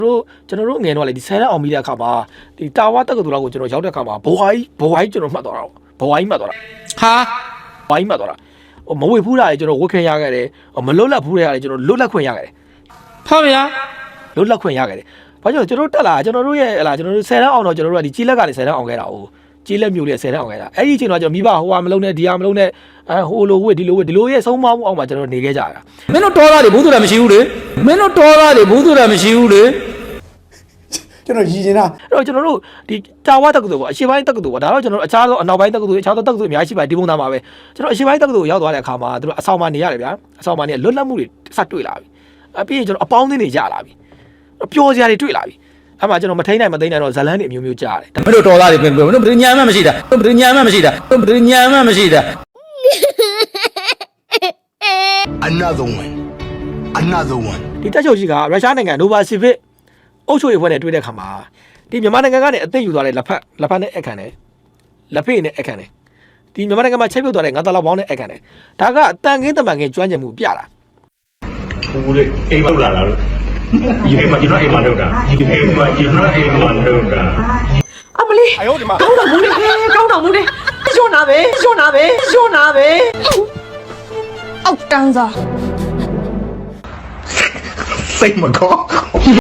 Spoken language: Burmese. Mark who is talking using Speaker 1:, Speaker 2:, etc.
Speaker 1: ကျွန်တော်တို့ငယ်တော့လေဒီဆယ်ရက်အောင်ပြီးတဲ့အခါမှာဒီတာဝါတက္ကသိုလ်လောက်ကိုကျွန်တော်ရောက်တဲ့အခါမှာဘဝကြီးကျွန်တော်မှတ်သွားတာဘဝကြီးမှတ်သွားတာဟာဘဝကြီးမှတ်သွားတာမဝေဖူးတာလေကျွန်တော်ဝတ်ခွင့်ရခဲ့တယ်မလွတ်လပ်ဖူးတဲ့ဟာလေကျွန်တော်လွတ်လပ်ခွင့်ရခဲ့တယ်ဟုတ်ဗျာလွတ်လပ်ခွင့်ရခဲ့တယ်ဘာကြောင့်ကျွန်တော်တက်လာကျွန်တော်တို့ရဲ့ဟလာကျွန်တော်တို့ဆယ်ရက်အောင်တော့ကျွန်တော်တို့ကဒီကြီးလက်ကနေဆယ်ရက်အောင်ခဲ့တာ哦ကြီးလက်မျိုးလေးဆယ်ရက်အောင်ခဲ့တာအဲ့ဒီအချိန်တော့ကျွန်တော်မိဘဟိုဟာမလုံးနဲ့ဒီဟာမလုံးနဲ့ဟိုလိုဝတ်ဒီလိုရဲ့ဆုံးမမှုအောင်မှာကျွန်တော်နေခဲ့ကြတာမင်းတို့တော်သားတွေဘူးသူလည်းမရှိဘူးလေမင်းတို့တော်သားတွေဘူးသူလည်းမရှိဘူးလေ
Speaker 2: ကျွန်တော်ရည်နေတာ
Speaker 1: အဲ့တော့ကျွန်တော်တို့ဒီတာဝါတက္ကသိုလ်ပေါ့အရှေ့ပိုင်းတက္ကသိုလ်ပေါ့ဒါတော့ကျွန်တော်တို့အခြားသောအနောက်ပိုင်းတက္ကသိုလ်အခြားသောတက္ကသိုလ်အများကြီးပါဒီပုံသားမှာပဲကျွန်တော်အရှေ့ပိုင်းတက္ကသိုလ်ရောက်သွားတဲ့အခါမှာတို့အဆောင်မှာနေရတယ်ဗျာအဆောင်မှာနေလွတ်လပ်မှုတွေစတွေ့လာပြီပြီးရင်ကျွန်တော်အပေါင်းအသင်းတွေရလာပြီပျော်စရာတွေတွေ့လာပြီအဲ့မှာကျွန်တော်မထိန်နိုင်မသိနိုင်တော့ဇလန်းတွေအမျိုးမျိုးကြားရတယ်
Speaker 3: မင်းတို့တော်သားတွေပြင်မင်းတို့ဘယ်ညာမှမရှိတာဘယ်ညာမှမရှိတာဘယ်ညာမှမရှိတာ
Speaker 4: Another one
Speaker 1: ဒီတက်ချုပ်ကြီးကရုရှားနိုင်ငံနိုဗာစီဗစ်အုပ်ချုပ်ရေးဖွဲ့နဲ့တွေ့တဲ့အခါမှာဒီမြန်မာနိုင်ငံကနေအသိယူသွားတဲ့လက်ဖက်နဲ့အခန့်တယ်လက်ဖေးနဲ့အခန့်တယ်ဒီမြန်မာနိုင်ငံမှာချိတ်ပြုတ်သွားတဲ့ငါးသားလောက်ပေါင်းနဲ့အခန့်တယ်ဒါကအတန်ကင်းတမန်ကင်းကျွမ်းကျင်မှုပြတာ
Speaker 5: ဘူးလေအိမ်မလောက်လာလို့ဒီအိမ်မှာကျွန်တော်အိမ်မှာလောက်တာဒီအိမ်မှာကျွန်တော်အိမ်မှာလောက်တာ
Speaker 6: အမလေးကောင်းတော်မူလေကောင်းတော်မူလေညွှန်းနာပဲ
Speaker 7: အောက်တန်းစား
Speaker 4: စိတ်မကော